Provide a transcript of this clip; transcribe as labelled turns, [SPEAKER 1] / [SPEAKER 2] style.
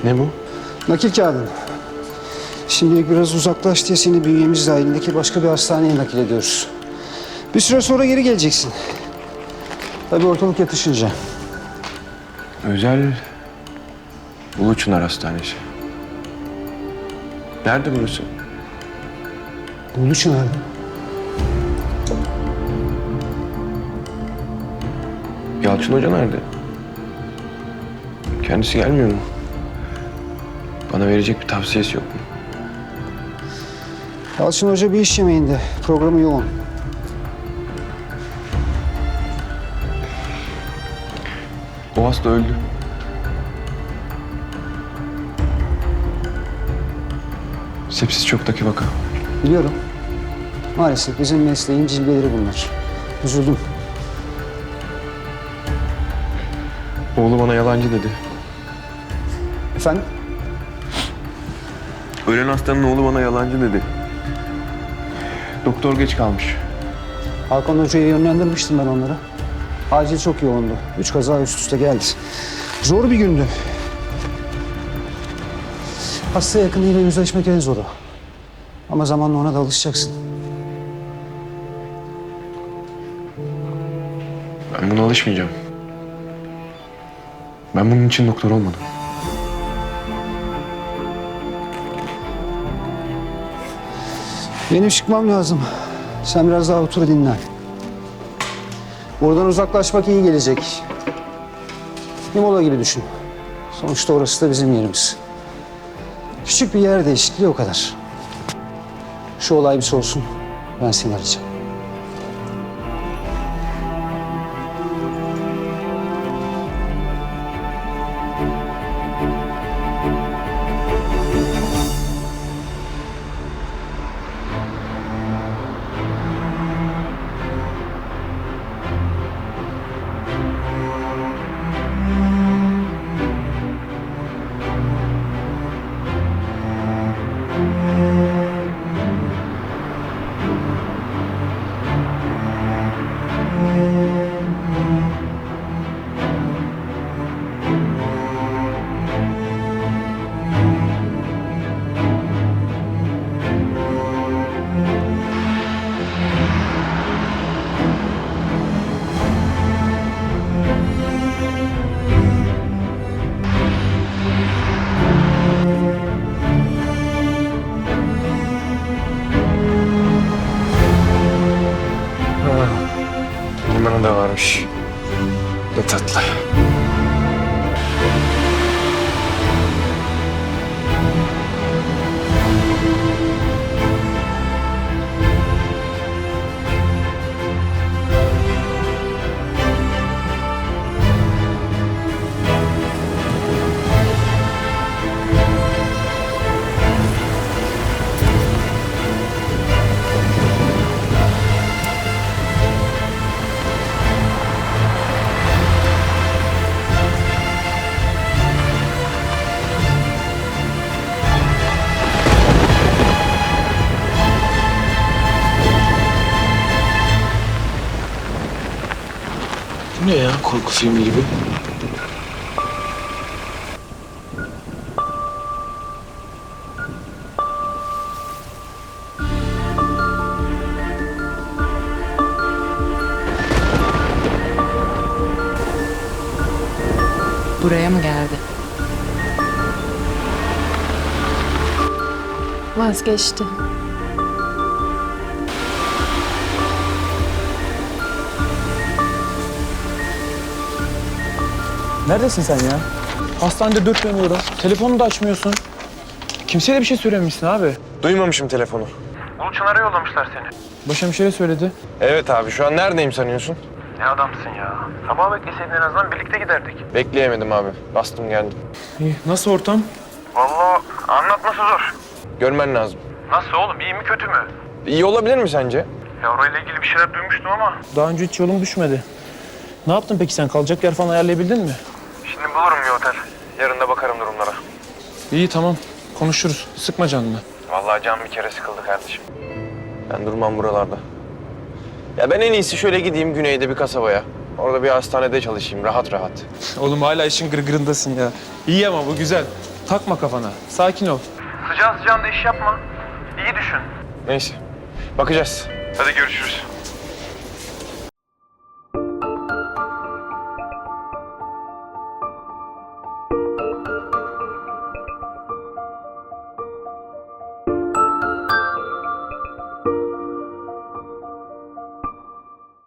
[SPEAKER 1] Ne bu?
[SPEAKER 2] Nakil kağıdın. Şimdilik biraz uzaklaş diye seni bünyemiz dahilindeki başka bir hastaneye nakil ediyoruz. Bir süre sonra geri geleceksin. Tabii ortalık yatışınca.
[SPEAKER 1] Özel Uluçınar Hastanesi. Nerede burası?
[SPEAKER 2] Ulu nerede?
[SPEAKER 1] Yalçın Hoca nerede? Kendisi gelmiyor mu? Bana verecek bir tavsiyesi yok mu?
[SPEAKER 2] Yalçın Hoca bir iş yemeğinde. Programı yoğun.
[SPEAKER 1] O hasta öldü. Sepsis çoktaki vaka.
[SPEAKER 2] Biliyorum. Maalesef bizim mesleğin cilveleri bunlar. Üzüldüm.
[SPEAKER 1] Oğlu bana yalancı dedi.
[SPEAKER 2] Efendim?
[SPEAKER 1] Ölen hastanın oğlu bana yalancı dedi. Doktor geç kalmış.
[SPEAKER 2] Hakan Hoca'ya yönlendirmiştim ben onlara. Acil çok yoğundu. 3 kaza üst üste geldi. Zor bir gündü. Hasta yakınıyla yüzleşmek en zoru. Ama zamanla ona da alışacaksın.
[SPEAKER 1] Ben buna alışmayacağım. Ben bunun için doktor olmadım.
[SPEAKER 2] Benim çıkmam lazım. Sen biraz daha otur dinlen. Buradan uzaklaşmak iyi gelecek. Imola gibi düşün. Sonuçta orası da bizim yerimiz. Küçük bir yer değişikliği o kadar. Şu olay bir soğusun. Ben seni arayacağım.
[SPEAKER 1] Limanı da varmış. Ne tatlı. Bu ne ya? Korku filmi gibi.
[SPEAKER 3] Buraya mı geldi?
[SPEAKER 4] Vazgeçti.
[SPEAKER 5] Neredesin sen ya? Hastanede dört dönüyorum. Telefonu da açmıyorsun. Kimseye de bir şey söylememişsin abi.
[SPEAKER 1] Duymamışım telefonu.
[SPEAKER 6] Uluçınar'a yollamışlar seni.
[SPEAKER 5] Başhemşire söyledi.
[SPEAKER 1] Evet abi, şu an neredeyim sanıyorsun?
[SPEAKER 6] Ne adamsın ya. Sabah bekleseydin en azından birlikte giderdik.
[SPEAKER 1] Bekleyemedim abi. Bastım geldim.
[SPEAKER 5] İyi. Nasıl ortam?
[SPEAKER 6] Vallahi anlatması zor.
[SPEAKER 1] Görmen lazım.
[SPEAKER 6] Nasıl oğlum, iyi mi kötü mü?
[SPEAKER 1] İyi olabilir mi sence?
[SPEAKER 6] Ya orayla ilgili bir şeyler duymuştum ama
[SPEAKER 5] Daha önce hiç yolum düşmedi. Ne yaptın peki sen? Kalacak yer falan ayarlayabildin mi?
[SPEAKER 6] şimdi bulurum bir otel. Yarın da bakarım durumlara.
[SPEAKER 5] İyi tamam. Konuşuruz. Sıkma canını.
[SPEAKER 6] Vallahi can bir kere sıkıldı kardeşim.
[SPEAKER 1] Ben durmam buralarda. Ya ben en iyisi şöyle gideyim güneyde bir kasabaya. Orada bir hastanede çalışayım rahat rahat.
[SPEAKER 5] Oğlum hala işin gırgırındasın ya. İyi ama bu güzel. Takma kafana. Sakin ol.
[SPEAKER 6] Sıcağı sıcağında iş yapma. İyi düşün.
[SPEAKER 1] Neyse. Bakacağız.
[SPEAKER 6] Hadi görüşürüz.